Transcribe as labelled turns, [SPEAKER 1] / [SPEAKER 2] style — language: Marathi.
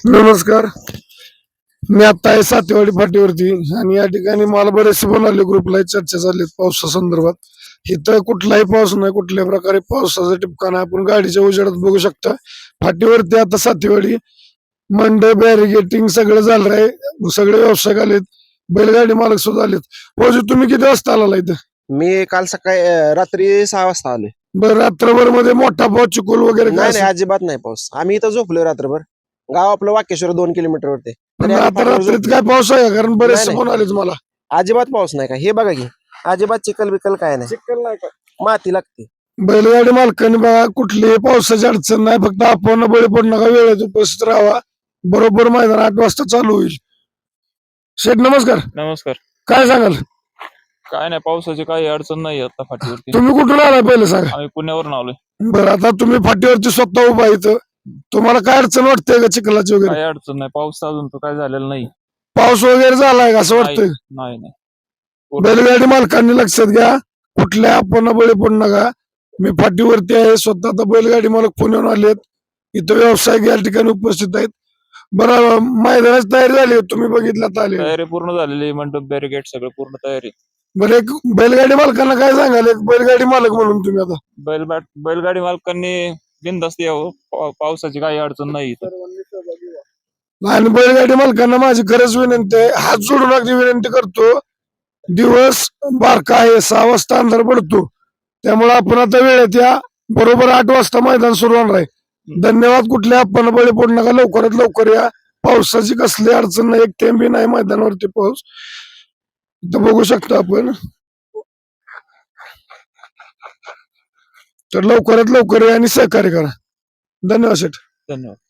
[SPEAKER 1] नमस्कार. मी आता आहे सातेवाडी फाटीवरती आणि या ठिकाणी मला बरेचसे फोन आले, ग्रुपला चर्चा झाली पावसा संदर्भात. इथं कुठलाही पाऊस नाही, कुठल्याही प्रकारे पावसाचा टिपका नाही. आपण गाडीच्या उजेडात बघू शकता फाटीवरती आता सातेवाडी मंड बॅरिगेटिंग सगळं झालं आहे. सगळे व्यावसायिक आलेत, बैलगाडी मालक सुद्धा आलेत. भाऊजी तुम्ही किती वाजता आला इथं?
[SPEAKER 2] मी काल सकाळी रात्री 6 वाजता आलोय.
[SPEAKER 1] बरं, रात्रभर मध्ये मोठा पाऊस चिखल वगैरे काय
[SPEAKER 2] नाही
[SPEAKER 1] असेल?
[SPEAKER 2] अजिबात नाही पाऊस. आम्ही इथं झोपलोय रात्रभर. गाव आपलं वाकेश्वर 2 किलोमीटर वरती.
[SPEAKER 1] पण
[SPEAKER 2] तरी आम्ही
[SPEAKER 1] आता
[SPEAKER 2] फाटीवर
[SPEAKER 1] रात्रीत
[SPEAKER 2] झोपलोय.
[SPEAKER 1] काय पाऊस आहे का? कारण बरेचसे
[SPEAKER 2] नाही,
[SPEAKER 1] फोन आले मला.
[SPEAKER 2] अजिबात पाऊस नाही का, हे बघा की अजिबात चिखल बिकल काय नाही.
[SPEAKER 1] चिखल नाही का?
[SPEAKER 2] माती लागते.
[SPEAKER 1] बैलगाडी मालकांनी बघा, कुठलीही पावसाची अडचण नाही, फक्त आपण बळी पडू नका, वेळेत उपस्थित राहावा. बरोबर मैदान 8 वाजता चालू होईल. शेठ नमस्कार.
[SPEAKER 3] नमस्कार.
[SPEAKER 1] काय सांगाल?
[SPEAKER 3] काय नाही, पावसाची काही अडचण नाही आता फाटीवरती.
[SPEAKER 1] तुम्ही कुठून आलाय पहिले सांगा.
[SPEAKER 3] आम्ही पुण्यावरून आलोय.
[SPEAKER 1] बरं, आता तुम्ही फाटीवरती स्वतः उभा इथं, तुम्हाला काय अडचण वाटते का चिखलाची वगैरे?
[SPEAKER 3] काही अडचण नाही, पाऊस अजून तो काय झालेला नाही.
[SPEAKER 1] पाऊस वगैरे झालाय का असं वाटतंय?
[SPEAKER 3] नाही नाही.
[SPEAKER 1] बैलगाडी मालकांनी लक्षात घ्या, कुठल्या आपण बळी पडू नका. मी फाटीवरती आहे स्वतः. आता बैलगाडी मालक पुण्याहून आलेत, इथं व्यावसायिक या ठिकाणी उपस्थित आहेत. बरं, मैदानाची तयारी झाली, तुम्ही बघितलं आले.
[SPEAKER 3] तयारी पूर्ण झालेली, मंडप बॅरिगेट सगळं पूर्ण तयारी.
[SPEAKER 1] बरं, एक बैलगाडी मालकांना काय सांगाल, एक बैलगाडी मालक म्हणून तुम्ही आता?
[SPEAKER 3] बैलगाडी मालकांनी बिनधास्त यावं, पावसाची काही अडचण नाही इथं.
[SPEAKER 1] आणि बैलगाडी मालकांना माझी खरंच विनंती आहे, हात जोडून अगदी विनंती करतो. दिवस बारका आहे, 6 वाजता अंधार पडतो, त्यामुळे आपण आता वेळेत या. बरोबर 8 वाजता मैदान सुरू होणार आहे. धन्यवाद. कुठल्या आपण बळी पडू नका, लवकरात लवकर या. पावसाची कसली अडचण नाही, एक थेंबी नाही मैदानावरती पाऊस. इथं बघू शकता आपण. तर लवकरात लवकर या आणि सहकार्य करा. धन्यवाद शेठ.
[SPEAKER 3] धन्यवाद.